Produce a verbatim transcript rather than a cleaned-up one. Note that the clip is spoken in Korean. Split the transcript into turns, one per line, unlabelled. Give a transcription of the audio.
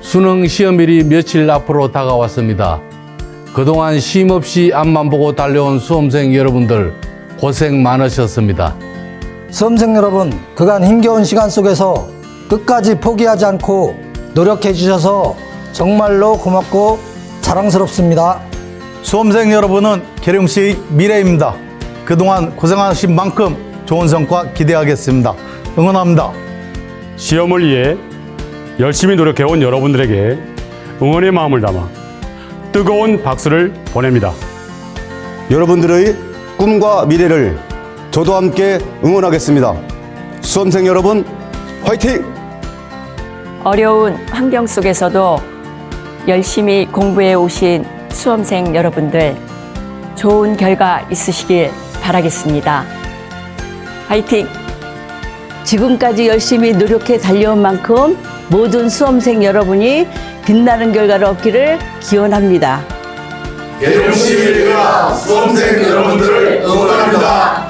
수능 시험일이 며칠 앞으로 다가왔습니다. 그동안 쉼없이 앞만 보고 달려온 수험생 여러분들 고생 많으셨습니다.
수험생 여러분, 그간 힘겨운 시간 속에서 끝까지 포기하지 않고 노력해 주셔서 정말로 고맙고 자랑스럽습니다.
수험생 여러분은 계룡시의 미래입니다. 그동안 고생하신 만큼 좋은 성과 기대하겠습니다. 응원합니다.
시험을 위해 열심히 노력해온 여러분들에게 응원의 마음을 담아 뜨거운 박수를 보냅니다.
여러분들의 꿈과 미래를 저도 함께 응원하겠습니다. 수험생 여러분, 화이팅!
어려운 환경 속에서도 열심히 공부해 오신 수험생 여러분들 좋은 결과 있으시길 바라겠습니다. 화이팅!
지금까지 열심히 노력해 달려온 만큼 모든 수험생 여러분이 빛나는 결과를 얻기를 기원합니다.
계룡시 미래가 수험생 여러분들을 응원합니다.